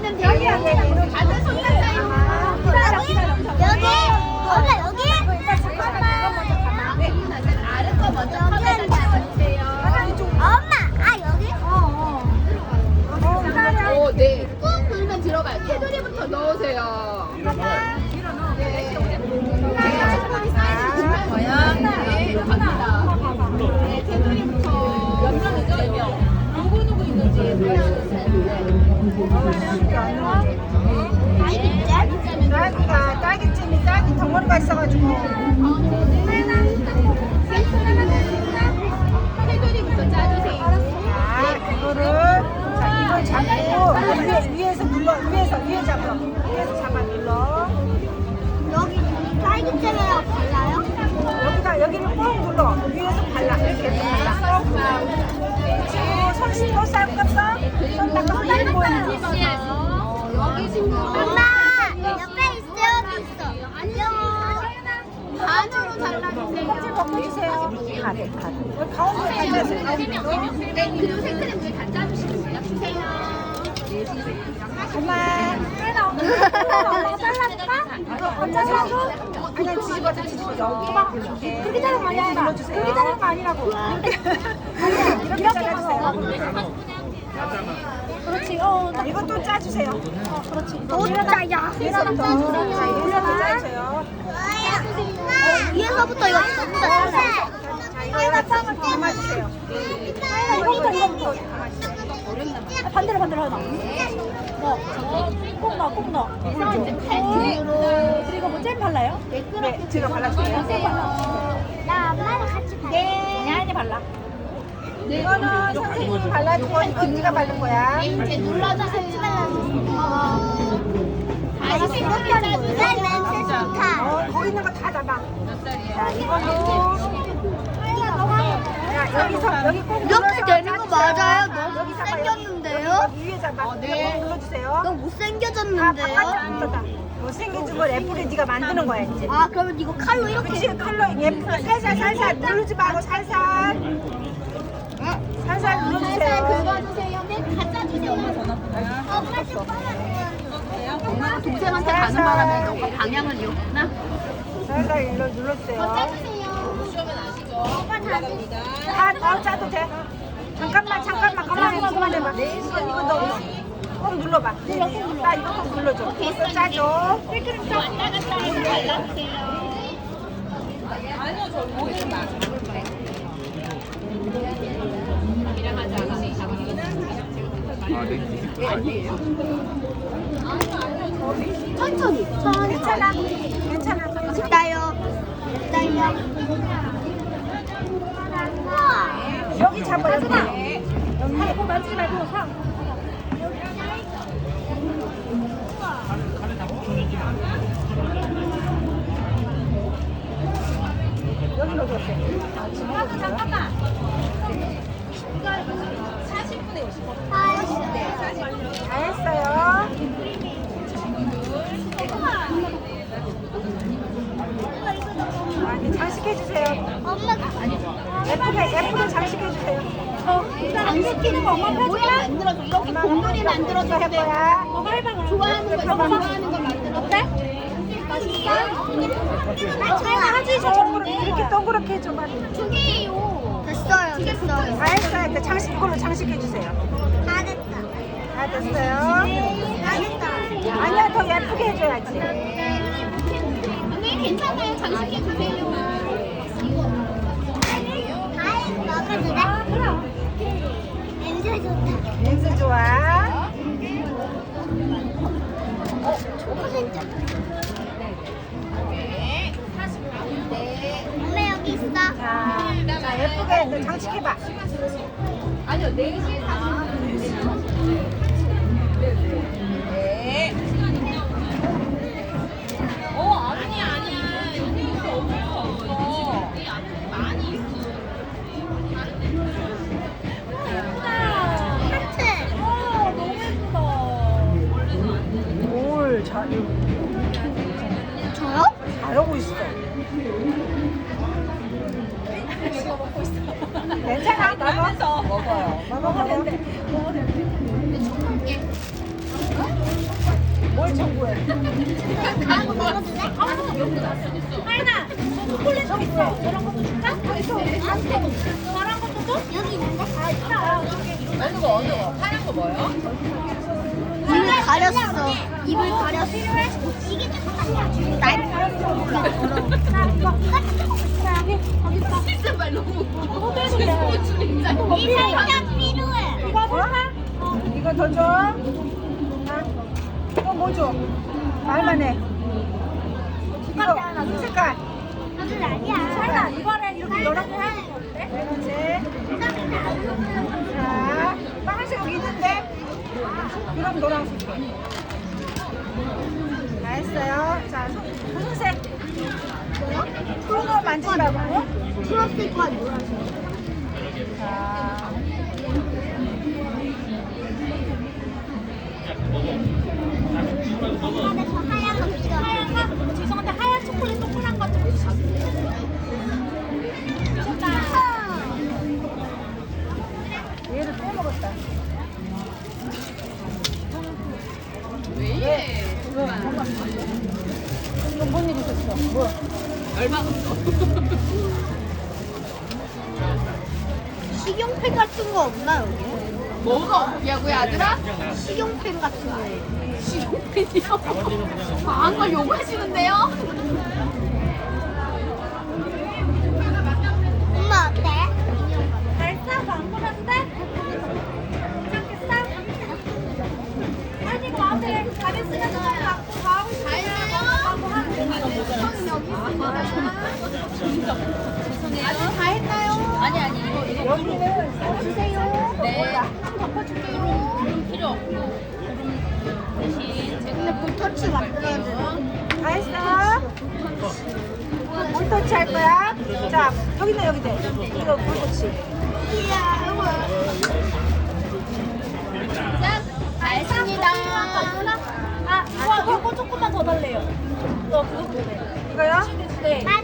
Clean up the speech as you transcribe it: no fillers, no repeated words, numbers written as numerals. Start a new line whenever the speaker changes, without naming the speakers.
있는 여기야. 다들 손 잡아요. 여기. 엄마 여기. 잠깐만. 아래 거 먼저 컵에다 담아주세요. 엄마, 아 여기? 오, 네. 꾹 누르면 들어가요. 테두리부터 넣으세요. 네. 충분히 사이즈를 주면 네, 갑니다. 네, 테두리부터 몇 명이죠? 4명. 누구 있는지 보여주세요.
딸기찜이 딸기 덩어리가 있어가지고.
테두리부터 짜주세요.
이걸 잡고 위에서 눌러. 위에 잡아. 위에서 잡아 눌러.
여기 딸기잼이랑 발라요?
여기를 꼭 눌러. 위에서 발라. 이렇게 해서 발라. 그렇지. 손 씻고 쌀것어. 손 닦고 쌀 보이는 거.
여기 친구. 엄마 옆에 있어. 여기 있어. 안녕. 반으로 잘라주세요.
껍질 벗겨주세요. 가득. 가운데 가져주세요.
네, 그리고 생크림 위에 다 짜주시면 돼요. 주세요.
엄마
잘랐다?
잘라서 그냥 뒤집어서
그렇게 자른 거 아니야.
눌러주세요. 그렇게 자른 거 아니라고. 이렇게 잘라주세요.
그렇지.
이것도 짜주세요.
그렇지. 또 짜야.
위에서부터 짜주세요.
위에서부터 이거 전부 다 짜세요.
이거 빵을 담아주세요. 이거부터
반대로 하나. 꼭 넣어. 그리고 뭐 잼 발라요?
네, 제가 발라줄게요.
나 엄마랑 같이 발라.
야인이 발라.
이거는 선생님이 발라주고 이건 네가 바른 거야.
이제 눌러주세요. 다시 생각해 주세요. 냄새 좋다.
거기 있는 거 다 잡아. 자, 이걸로. 자, 여기 꼭
이렇게
눌러서
되는 거 맞아요?
자,
너무
여기 잡아요.
못생겼는데요?
여기 위에 잡아. 네. 눌러주세요.
너무
다
못생겨졌는데요?
바깥 못생겨진 걸 예쁘게 네가 만드는 거야 이제.
아 그러면 이거 칼로 이렇게
그치, 칼로 예쁘게 살살 누르지 말고 살살 눌러주세요.
긁어주세요. 네, 갖다 주세요. 엄마 좀 엄마가 동생한테 가는 바람에 너가 방향을 잃었구나.
살살 눌러주세요.
짜주세요. 시험은 아시죠? 오빠 다
다 짜도 돼. 잠깐만 그만해봐. 이거 너 꼭 눌러봐. 나 이거 꼭 눌러줘. 이거 짜줘.
왔다 갔다 해서 발라주세요. 천천히.
괜찮아.
됐다요.
여기 잡아 여기.
꼭 만지지 말고 사.
여기 넣어줬어요.
잠깐만.
다 했어요. 장식해주세요.
엄마가
예쁘게 장식해주세요.
장식키는 거 엄마 모양 만들어줘. 이렇게 봉돌이 만들어줘.
할 거야.
좋아하는 거 만들어. 어때?
하지 이렇게 동그랗게 해줘봐.
두 개예요. 됐어요.
다 했어요. 이걸로 장식해주세요.
다 됐다.
다 됐어요.
다 됐다.
아니야, 더 예쁘게 해줘야지.
언니 괜찮아요. 장식해 주세요. 먹어도 돼? 그럼. 냄새 좋다.
냄새 좋아.
초코센터. 엄마 여기 있어.
자, 예쁘게 장식해봐.
아니요, 4시 40분.
뭘 잘,
저요?
잘하고 있어. 괜찮아, 먹어. 먹어요. 먹어.
예.
빨리 정보해.
가는 거 먹어도 돼?
하연아, 너 초콜릿 좀 있어. 저런 것도 줄까?
있어.
저런 것도 줘?
여기 있는데?
아, 있다.
어느 거 하얀 거 뭐예요?
입을 가렸어. 입을 가렸어. 필요해? 이게 조금 날 가렸어.
나 이거. 자, 여기 있어.
진짜 말 너무
이 살짝 필요해.
이거 볼까?
이거 더 줘. 아, 이거 뭐 줘? 말만 해. 이거 색깔.
아주 아니야.
하연아, 이번엔 이렇게 여러 개 하는 거 어때?
빨간색. 자, 빨간색 여기 있는데. 그럼 노란색. 다 했어요. 자, 무슨 색?
뭐요?
푸른 거 만지지 말고.
초록색과 노란색.
자,
안에 저 하얀 거 있어.
하얀 거, 지성한테 하얀 초콜릿 동그란 거좀 주셨다.
얘를 빼먹었다.
왜 이래?
이거 뭔 일 있었어? 뭐?
열받았어.
식용펜 같은 거 없나 여기?
뭐가 없냐고요, 아들아?
식용펜 같은 거.
식용펜이요? 과한 걸 요구하시는데요?
엄마 어때?
잘 싸서 안 보는데? 괜찮겠어? 아니, 마음에 잘했으면 좀 갖고 가고 싶어요.
아직 다 했나요? 아니, 이거
여기는
주세요.
네. 덮어줄게요. 필요 없고. 대신 제가.
근데 볼터치 바꿔야 돼.
다 했어? 볼터치 할 거야? 자, 여기는 여기 돼. 이거 볼터치.
이야.
짠! 다 했습니다.
아, 이거 조금만 더 달래요. 그거 보내.
이거요?
네.